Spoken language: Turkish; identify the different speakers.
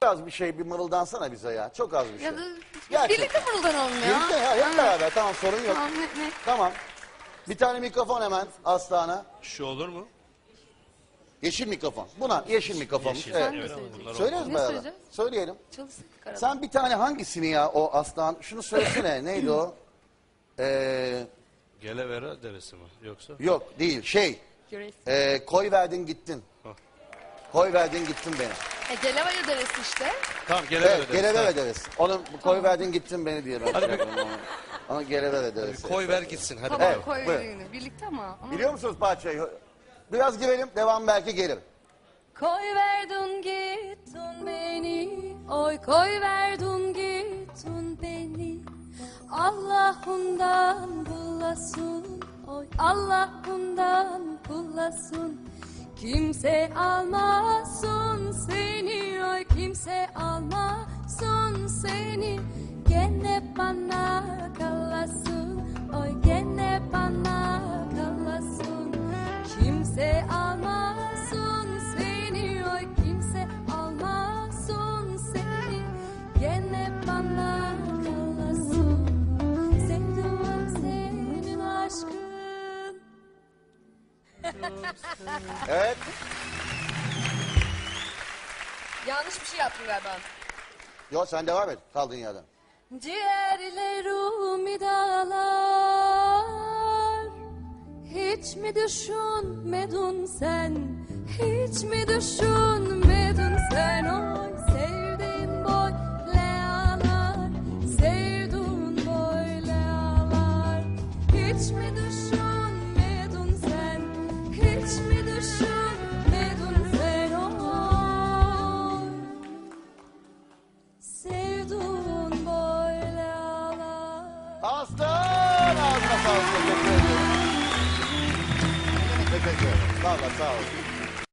Speaker 1: Az bir şey bir mırıldansana bize ya. Çok az bir şey.
Speaker 2: Ya da
Speaker 1: Gerçekten.
Speaker 2: birlikte mırıldan olmuyor.
Speaker 1: Birlikte ya, hep beraber. Tamam, sorun yok.
Speaker 2: Tamam, ne?
Speaker 1: Tamam. Bir tane mikrofon hemen Aslan'a.
Speaker 3: Şu olur mu?
Speaker 1: Yeşil mikrofon. Buna yeşil mikrofon.
Speaker 3: Yeşil,
Speaker 1: Evet.
Speaker 2: Sen
Speaker 3: evet,
Speaker 2: de
Speaker 3: ama
Speaker 2: söyleyeceksin.
Speaker 3: bunlar
Speaker 1: Söyleriz
Speaker 2: Ne
Speaker 1: beraber.
Speaker 2: söyleyeceğiz?
Speaker 1: Söyleyelim.
Speaker 2: Çalıştık arada.
Speaker 1: Sen bir tane hangisini ya o Aslan? Şunu söylesene. Neydi o?
Speaker 3: Gelevera deresi mi yoksa?
Speaker 1: Yok değil.
Speaker 2: Yöresi.
Speaker 1: Koy verdin gittin.
Speaker 3: Hah.
Speaker 1: Koy verdin gittin beni.
Speaker 2: Gelevaya deresi işte.
Speaker 3: Tamam Gelevera
Speaker 1: Evet,
Speaker 3: deresi.
Speaker 1: geleve
Speaker 3: Ha.
Speaker 1: deriz. Onun koy verdin gittin beni diye ben.
Speaker 3: Hadi
Speaker 1: şey yapıyorum onu. Onu geleve deriz.
Speaker 3: Koy ver gitsin hadi.
Speaker 2: Tamam
Speaker 1: Evet,
Speaker 2: koy
Speaker 1: buyur.
Speaker 2: birini. Birlikte ama.
Speaker 1: Biliyor musunuz parçayı? Biraz girelim, devam belki gelir.
Speaker 2: Koy verdin gittin beni, oy koy verdin gittin beni. Allah'ından bulasın, oy Allah'ından bulasın. Kimse almasın seni, oy kimse almasın seni. Gene bana kalasın, oy gene bana kalasın. Kimse almasın seni, oy kimse almasın seni. Gene bana kalasın. Sevdim senin aşkın.
Speaker 1: Evet.
Speaker 2: Yanlış bir şey yaptım galiba.
Speaker 1: Yok, sen devam et kaldığın yerden.
Speaker 2: Ciğerlerimi dağlar. Hiç mi düşünmedin sen? Hiç mi düşünmedin sen? Oy sevdiğin böyle ağlar. Sevdiğin böyle ağlar. Hiç mi düşünmedin sen? Hiç mi düşünmedin sen? Oy sevdiğin böyle ağlar.
Speaker 1: Aslan! Ağzına sağlık. Teşekkür ederim. Teşekkür ederim. Valla sağ olun.